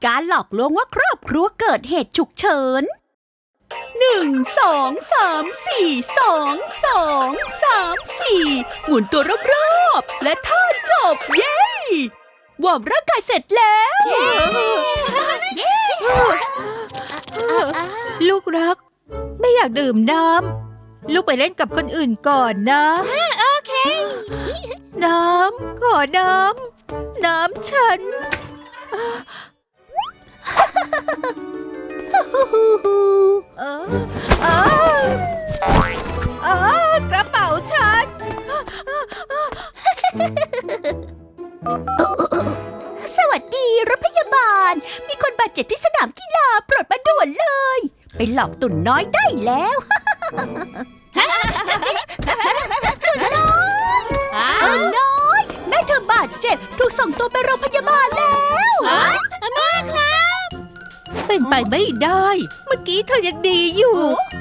การหลอกลวงว่าครอบครัวเกิดเหตุฉุกเฉิน1 2 3 4 2 2 3 4หมุนตัวรอบๆและท่าจบเย้วอร์มร่างกายเสร็จแล้วลูกรักไม่อยากดื่มน้ำลูกไปเล่นกับคนอื่นก่อนนะโอเคน้ำขอน้ำฉันกระเป๋าฉันสวัสดีรถพยาบาลมีคนบาดเจ็บที่สนามกีฬาโปรดมาด่วนเลยไปหลอกตุ่นน้อยได้แล้วตุ่นน้อยแม่เธอบาดเจ็บถูกส่งตัวไปโรงพยาบาลแล้วแม่ครับเป็นไปไม่ได้เมื่อกี้เธอยังดีอยู่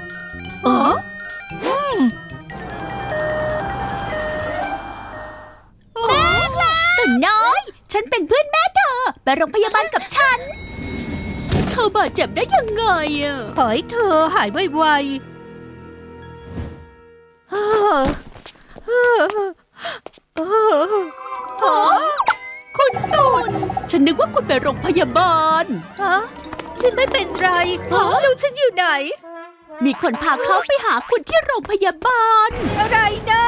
แม่ครับตุ่นน้อยฉันเป็นเพื่อนแม่เธอไปโรงพยาบาลกับฉันเธอบาดเจ็บได้ยังไงอ่ะขอให้เธอหายไวๆคุณตุ่นฉันนึกว่าคุณไปโรงพยาบาลฉันไม่เป็นไรลูกฉันอยู่ไหนมีคนพาเขาไปหาคุณที่โรงพยาบาลอะไรนะ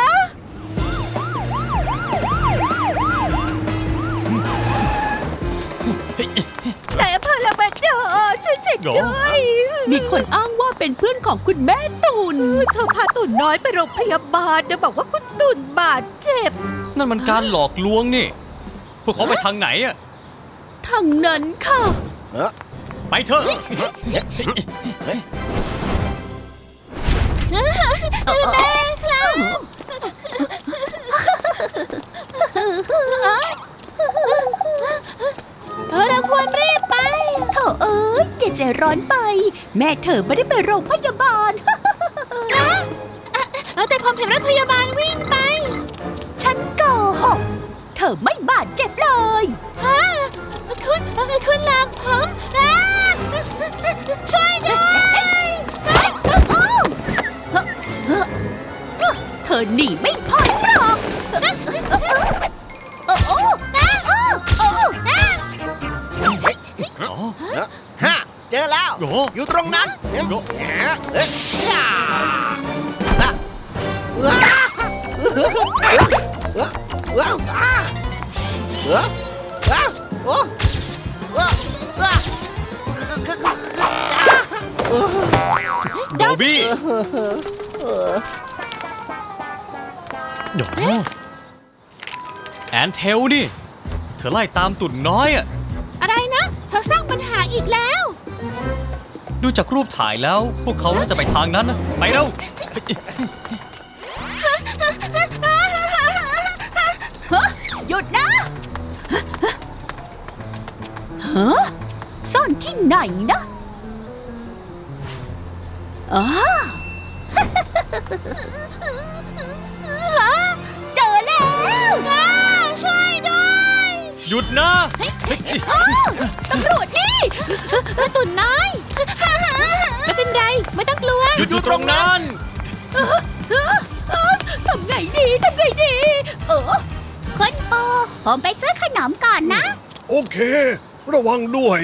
นายอำเภอละบัดดอช่วยฉันด้วยมีคนอ้างว่าเป็นเพื่อนของคุณแม่ตุ่นเธอพาตุ่นน้อยไปโรงพยาบาลแล้วบอกว่าคุณตุ่นบาดเจ็บนั่นมันการหลอกลวงนี่พวกเขาไปทางไหนอะทางนั้นค่ะไปเถอะแม่ครับเราควรรีบไปเธออย่าใจร้อนไปแม่เธอไม่ได้ไปโรงพยาบาลแต่ผมเห็นรถพยาบาลวิ่งไปฉันโกหกเธอไม่บาดเจ็บเลยคุณหลักผมช่วยด้วยเธอหนีไม่พ้นหรอกเจอแล้วอยู่ตรงนั้นโดบี้แอนเทลนี่เธอไล่ตามตุ่นน้อยอะอะไรนะเธอสร้างปัญหาอีกแล้วดูจากรูปถ่ายแล้วพวกเขาน่าจะไปทางนั้นนะไปเร็วหยุดนะซ่อนที่ไหนนะเจอแล้วช่วยด้วยหยุดนะตำรวจนี่ตุ่นน้อยไม่เป็นไรไม่ต้องกลัวหยุดอยู่ตรงนั้นทำไงดีคุณปูผมไปซื้อขนมก่อนนะโอเคระวังด้วย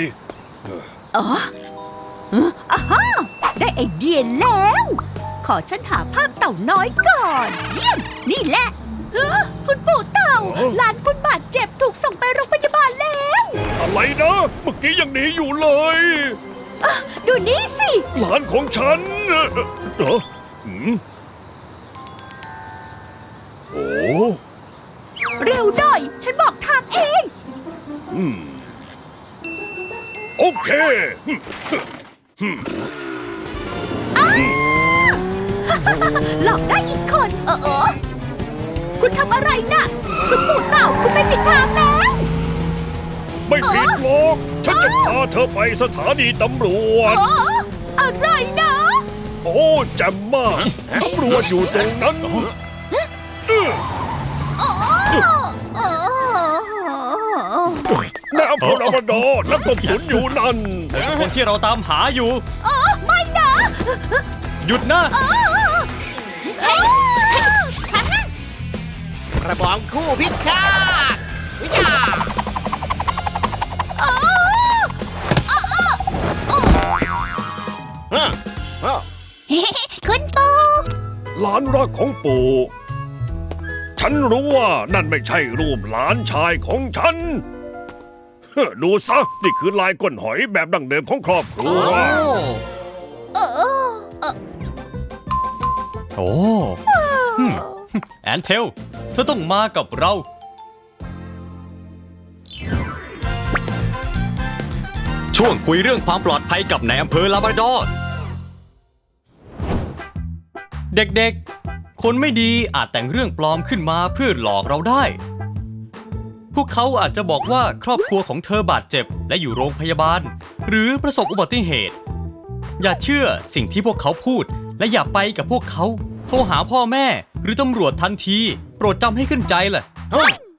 ได้ไอเดียแล้วขอฉันหาภาพเต่าน้อยก่อนเยี่ยมนี่แหละคุณปู่เต่าหลานคุณบาดเจ็บถูกส่งไปโรงพยาบาลแล้วอะไรนะเมื่อกี้ยังหนีอยู่เลยดูนี่สิหลานของฉันโอ้เร็วหน่อยฉันบอกทางเองโอเคหลอกได้อีกคนคุณทำอะไรน่ะคุณปู่เต่าคุณไม่ผิดทางแล้วไม่ผิดหรอกฉันจะพาเธอไปสถานีตำรวจอะไรนะโอ้แจ่มมากตำรวจอยู่ตรงนั้นในอำเภอลาบราดอร์นักต้มตุ๋นอยู่นั่นคนที่เราตามหาอยู่ไม่นะหยุดนะกระบองคู่พิฆาตวิญญาฮะฮะคุณปู่หลานรักของปู่ ฉันรู้ว่านั่นไม่ใช่รูปหลานชายของฉัน ดูซะ นี่คือลายก้นหอยแบบดั้งเดิมของครอบครัวโอ้แอนเทล เธอต้องมากับเรา ช่วงคุยเรื่องความปลอดภัยกับนายอำเภอลาบราดอร์ เด็กๆ คนไม่ดีอาจแต่งเรื่องปลอมขึ้นมาเพื่อหลอกเราได้ พวกเขาอาจจะบอกว่าครอบครัวของเธอบาดเจ็บและอยู่โรงพยาบาล หรือประสบอุบัติเหตุ อย่าเชื่อสิ่งที่พวกเขาพูดและอย่าไปกับพวกเขา โทรหาพ่อแม่หรือตำรวจทันที โปรดจำให้ขึ้นใจล่ะเฮ้ย